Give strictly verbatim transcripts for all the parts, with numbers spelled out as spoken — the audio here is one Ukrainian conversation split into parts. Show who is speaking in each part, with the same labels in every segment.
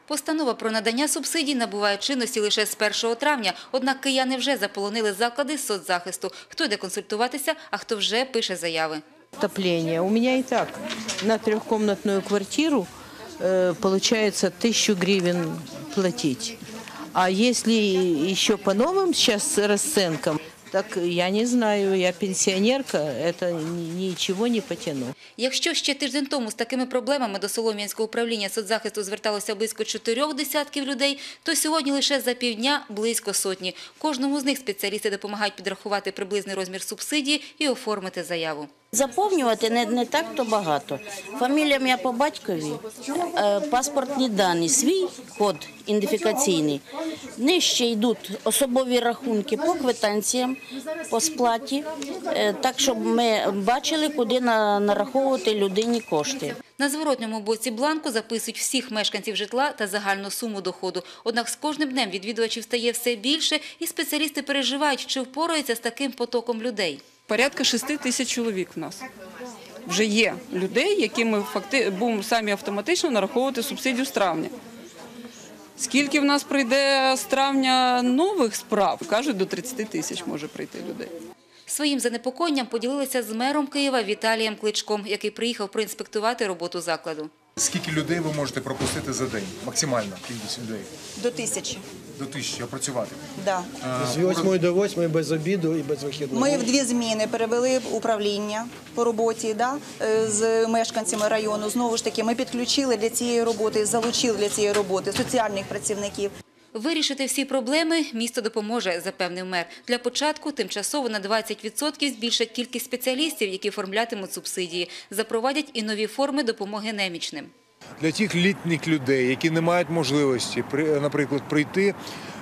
Speaker 1: Постанова про надання субсидій набуває чинності лише з першого травня, однак кияни вже заполонили заклади соцзахисту. Хто йде консультуватися, а хто вже пише заяви.
Speaker 2: Отопление. У меня и так на трехкомнатную квартиру э, получается тысячу гривен платить. А если еще по новым сейчас расценкам, так я не знаю, я пенсионерка, это ничего не потяну.
Speaker 1: Якщо ще тиждень тому з такими проблемами до Солом'янського управління соцзахисту зверталося близько чотирьох десятків людей, то сьогодні лише за півдня близько сотні. Кожному з них спеціалісти допомагають підрахувати приблизний розмір субсидії і оформити заяву.
Speaker 3: Заповнювати не, не так то багато. Фамілія ім'я по батькові, е, паспортні дані, свій код ідентифікаційний. Нижче йдуть особові рахунки по квитанціям, по сплаті, е, так, щоб ми бачили, куди на, нараховувати людині кошти.
Speaker 1: На зворотньому боці бланку записують всіх мешканців житла та загальну суму доходу. Однак з кожним днем відвідувачів стає все більше, і спеціалісти переживають, чи впораються з таким потоком людей.
Speaker 4: Порядка шести тисяч чоловік в нас вже є людей, яким ми факти... будемо самі автоматично нараховувати субсидію з травня. Скільки в нас прийде з травня нових справ? Кажуть, до тридцяти тисяч може прийти людей.
Speaker 1: Своїм занепокоєнням поділилися з мером Києва Віталієм Кличком, який приїхав проінспектувати роботу закладу.
Speaker 5: Скільки людей ви можете пропустити за день? Максимальна кількість людей?
Speaker 6: До тисячі.
Speaker 5: До тисячі опрацювати?
Speaker 6: Да.
Speaker 7: З восьмої до восьмої без обіду і без вихідних.
Speaker 6: Ми в дві зміни перевели управління по роботі да, з мешканцями району. Знову ж таки, ми підключили для цієї роботи, залучили для цієї роботи соціальних працівників.
Speaker 1: Вирішити всі проблеми місто допоможе, запевнив мер. Для початку тимчасово на двадцять відсотків збільшать кількість спеціалістів, які оформлятимуть субсидії. Запровадять і нові форми допомоги немічним.
Speaker 5: Для тих літніх людей, які не мають можливості, наприклад, прийти,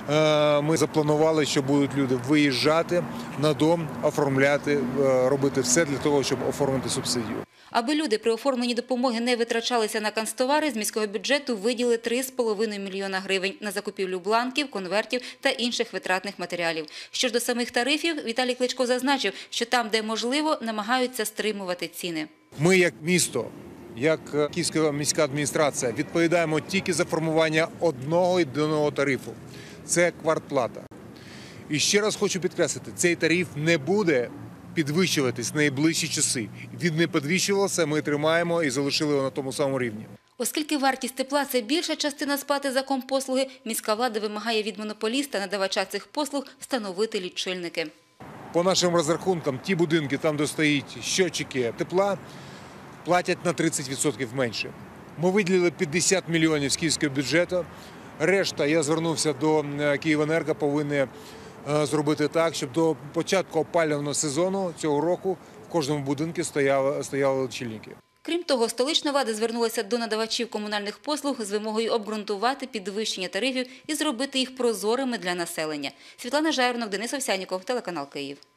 Speaker 5: ми запланували, що будуть люди виїжджати на дом, оформляти, робити все для того, щоб оформити субсидію.
Speaker 1: Аби люди при оформленні допомоги не витрачалися на канцтовари, з міського бюджету виділили три з половиною мільйона гривень на закупівлю бланків, конвертів та інших витратних матеріалів. Що ж до самих тарифів, Віталій Кличко зазначив, що там, де можливо, намагаються стримувати ціни.
Speaker 5: Ми як місто, як Київська міська адміністрація відповідаємо тільки за формування одного єдиного тарифу. Це квартплата. І ще раз хочу підкреслити, цей тариф не буде підвищуватись найближчі часи. Він не підвищувався, ми тримаємо і залишили його на тому самому рівні.
Speaker 1: Оскільки вартість тепла – це більша частина сплати за компослуги, міська влада вимагає від монополіста, надавача цих послуг, встановити лічильники.
Speaker 5: По нашим розрахункам, ті будинки, там де стоять щотчики тепла, платять на тридцять відсотків менше. Ми виділили п'ятдесят мільйонів з київського бюджету. Решта, я звернувся до Київенерго, повинні зробити так, щоб до початку опалювального сезону цього року в кожному будинку стояли, стояли лічильники.
Speaker 1: Крім того, столична влада звернулася до надавачів комунальних послуг з вимогою обґрунтувати підвищення тарифів і зробити їх прозорими для населення. Світлана Жайворонок, Денис Овсянніков, телеканал Київ.